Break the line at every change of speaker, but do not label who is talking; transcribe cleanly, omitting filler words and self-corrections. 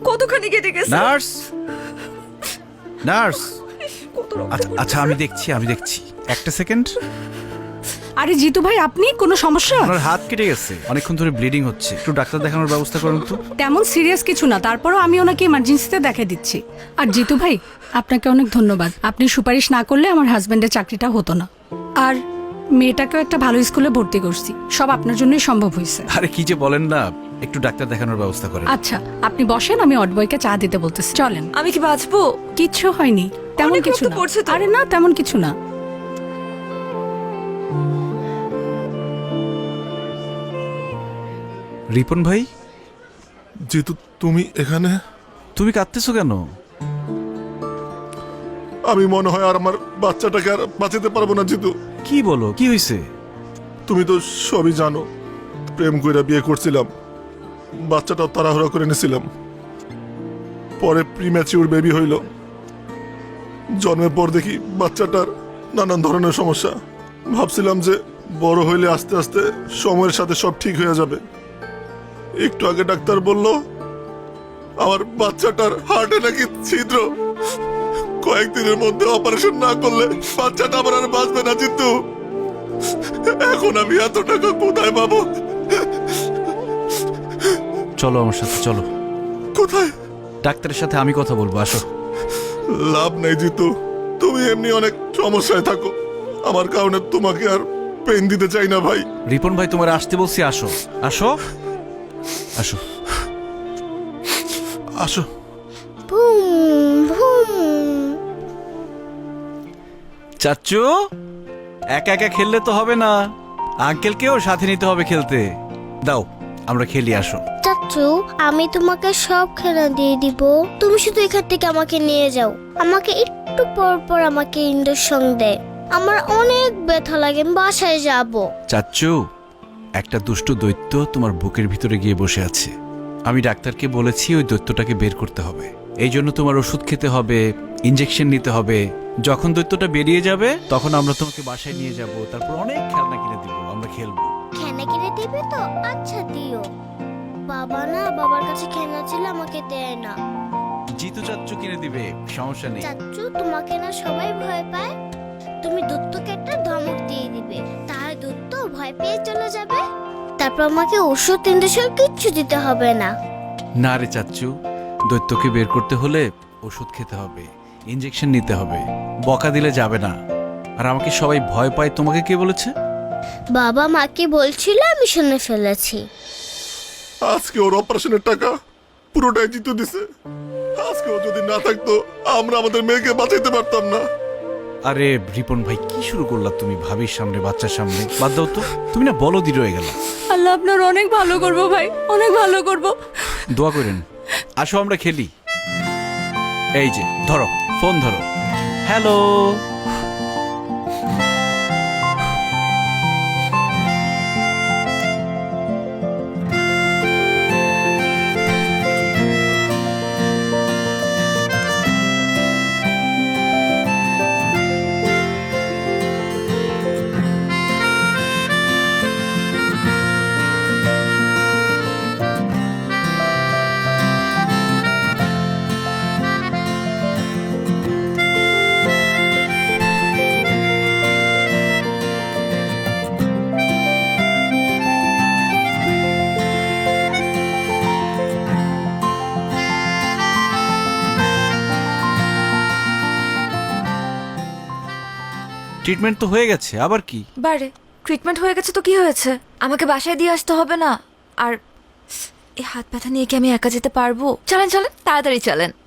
কতখানি কেটে গেছে।
Nurse, nurse.
কত রক্ত
আচ্ছা আচ্ছা, আমি দেখছি একটা সেকেন্ড।
আরে জিতু ভাই, আপনি কোনো সমস্যা?
আপনার হাত কেটে গেছে, অনেকক্ষণ ধরে ব্লিডিং হচ্ছে, একটু ডাক্তার দেখানোর ব্যবস্থা করুন তো।
তেমন সিরিয়াস কিছু না, তারপরও আমি ওনাকে ইমার্জেন্সিতে দেখা দিচ্ছি। আর জিতু ভাই, আপনাকে অনেক ধন্যবাদ। আপনি সুপারিশ না করলে আমার হাজবেন্ডের চাকরিটা হতো না। আর মেয়েটাকেও একটা ভালো স্কুলে ভর্তি করছি, সব আপনার জন্যই সম্ভব হয়েছে।
আরে কি যে বলেন না, একটু ডাক্তার দেখানোর ব্যবস্থা করেন।
আচ্ছা আপনি বসেন, আমি অডবয়কে চা দিতে বলতেছি। চলেন।
আমি কি বাঁচবো?
কিচ্ছু হয়নি, তেমন
অনেক
কিছু
রক্ত
না।
পড়ছে তো।
আরে না, তেমন কিছু না।
রিপন ভাই,
যেহেতু তুমি এখানে,
তুমি কাঁদতেছো কেন?
আমি মনে হয় আর আমার বাচ্চাটাকে আর বাঁচাতে পারবো না। জিতু,
কি বলো, কি হয়েছে?
তুমি তো সবই জানো, প্রেম কইরা বিয়ে করছিলাম, বাচ্চাটাও তাড়াহুড়া করে নিয়েছিলাম, পরে প্রিম্যাচিউর বেবি হইল। জন্মের পর দেখি বাচ্চাটার নানান ধরনের সমস্যা। ভাবছিলাম যে বড় হইলে আস্তে আস্তে সময়ের সাথে সব ঠিক হয়ে যাবে। একটু আগে ডাক্তার বলল আমার বাচ্চাটার হার্টে নাকি ছিদ্র, কয়েকদিনের মধ্যে অপারেশন না করলে বাচ্চাটা আমার আর বাঁচবে না। জিতু, এখন আমি এত টাকা কোথায় পাবো?
চলো আমার সাথে, চলো।
কোথায়?
ডাক্তারের সাথে আমি কথা বলবো, আসো।
লাভ নেই জিতু, তুমি এমনি অনেক সমস্যায় থাকো, আমার কারণে তোমাকে আর পেন দিতে চাই না ভাই।
রিপন ভাই, তোমার আসতে বলছি, আসো আসো আসো
আসো।
চাচ্চু, একা একা খেললে তো হবে না, আঙ্কেলকেও সাথে নিতে হবে খেলতে। দাও আমরা খেলি, আসো।
চাচু, আমি তোমাকে সব খেলা দিয়ে দিব, তুমি শুধু এখান থেকে আমাকে নিয়ে যাও। আমাকে একটু পর পর আমাকে ইঞ্জেকশন দেয়, আমার অনেক ব্যথা লাগে, আমি বাসায় যাব।
চাচ্চু, একটা দুষ্ট দৈত্য তোমার বুকের ভিতরে গিয়ে বসে আছে। আমি ডাক্তারকে বলেছি ওই দৈত্যটাকে বের করতে হবে, এই জন্য তোমার ওষুধ খেতে হবে, ইঞ্জেকশন নিতে হবে। যখন দৈত্যটা বেরিয়ে যাবে তখন আমরা তোমাকে বাসায় নিয়ে যাব, তারপর অনেক খেলনা কিনে দিব, আমরা খেলবো।
খেলনা কিনে দিবে তো? আচ্ছা দিও। বাবা না, বাবার কাছে খেলনা ছিল, আমাকে দেয় না।
জিতু চাচ্চু কিনে দিবে, সমস্যা নেই।
চাচু, তোমাকে না সবাই ভয় পায়, তুমি দত্তকে একটা ধমক দিয়ে দিবে, তাহলে দত্ত ভয় পেয়ে চলে যাবে, তারপর আমাকে ওষুধ ইঞ্জেকশন কিচ্ছু দিতে হবে না।
না রে চাচ্চু, দৈত্যকে বের করতে হলে ওষুধ খেতে হবে, ইঞ্জেকশন নিতে হবে, বকা দিলে যাবে না। আর আমাকে সবাই ভয় পায়, তোমাকে কে বলেছে?
বাবা মাকে বলছিল, আমি শুনে ফেলেছি।
আজকে ওর অপারেশনের টাকা পুরোটাই জিতু দিছে। আজকে ও যদি না থাকতো আমরা আমাদের মেয়েকে বাঁচাইতে পারতাম না।
আরে রিপন ভাই, কি শুরু করলা তুমি ভাবির সামনে, বাচ্চার সামনে? বাদ দাও তো, তুমি না বলদি রয়ে গেল।
আল্লাহ আপনার অনেক ভালো করবো ভাই, অনেক ভালো করবো।
দোয়া করেন। আসো আমরা খেলি। এই যে ধরো, ফোন ধরো। হ্যালো। ট্রিটমেন্ট তো হয়ে গেছে, আবার কি?
বারে ট্রিটমেন্ট হয়ে গেছে তো কি হয়েছে? আমাকে বাসায় দিয়ে আসতে হবে না? আর এই হাত ব্যথা নিয়ে কি আমি একা যেতে পারবো? চলেন চলেন, তাড়াতাড়ি চলেন।